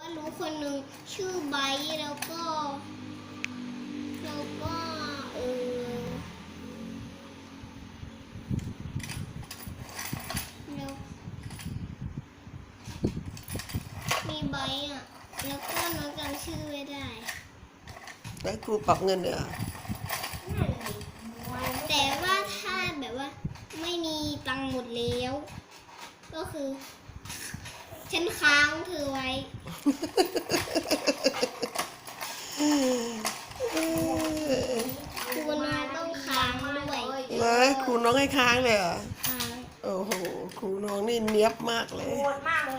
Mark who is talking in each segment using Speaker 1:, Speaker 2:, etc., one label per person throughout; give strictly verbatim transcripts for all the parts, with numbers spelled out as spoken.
Speaker 1: รู้คนหนึ่งชื่อไบร์ทแล้วก็แล้วก็เออแล้วมีไบร์ทอ่ะแล้วก็น้องจำชื่อไม่ได้
Speaker 2: แล้วครูปรับเงินเดือน
Speaker 1: แต่ว่าถ้าแบบว่าไม่มีตังค์หมดแล้ว ก็คือ ฉันค้างเธอไว้ครูน้องต้องค้างด้วย
Speaker 2: เลยครูน้องให้ค้างเลยเหรอ
Speaker 1: ค้าง
Speaker 2: โอ้โหครูน้องนี่เนี้ยบมากเลย
Speaker 3: โหดมากเลย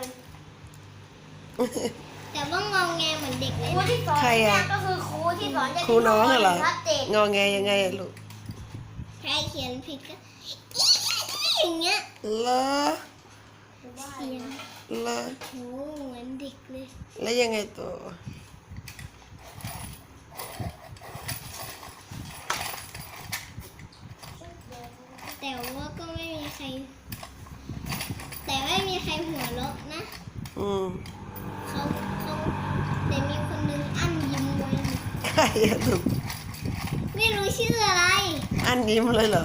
Speaker 1: แต่ว่างองแงเหมือนเด็กเลย
Speaker 3: ครู
Speaker 1: นะ
Speaker 3: ที่สอน
Speaker 2: ใคร
Speaker 3: เนี่
Speaker 2: อะ
Speaker 3: ยก็คือครูที่สอนจะ
Speaker 2: ครูน้องเหรอ
Speaker 3: ชัดเจน
Speaker 2: งอแงยังไงอะลูก
Speaker 1: ใครเขียนผิดก็อย่างเงี้ย
Speaker 2: เลอ
Speaker 1: เสียง
Speaker 2: เลอ
Speaker 1: โหเหมือนเด็กเลย
Speaker 2: แล้วยังไงต่อ
Speaker 1: แต่ว่าก็ไม่มีใคร แต่ไม่มีใครหัวเราะนะ
Speaker 2: อืม
Speaker 1: เขาเขาแต่มีคนนึงอั้นยิ้มไว้
Speaker 2: ใครอะลูก
Speaker 1: ไม่รู้ชื่ออะไร
Speaker 2: อันยิ้มเลยเหรอ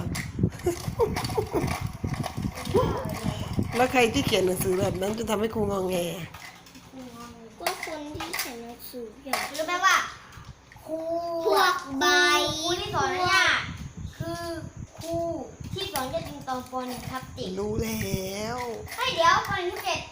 Speaker 2: แล้วใครที่เขียนหนังสือแบบนั้นจะทำให้ครูงอแง
Speaker 1: ก็คนที่เขียนหนังสืออย่าง
Speaker 3: รู้ไหมว่าครู
Speaker 1: พวกใบ
Speaker 3: ครูที่สอนเนี่ยคือครูที่สอนจะติงตองปอนครับติ
Speaker 2: รู้แล้ว
Speaker 3: ให้เดี๋ยวปอนที่เจ็ด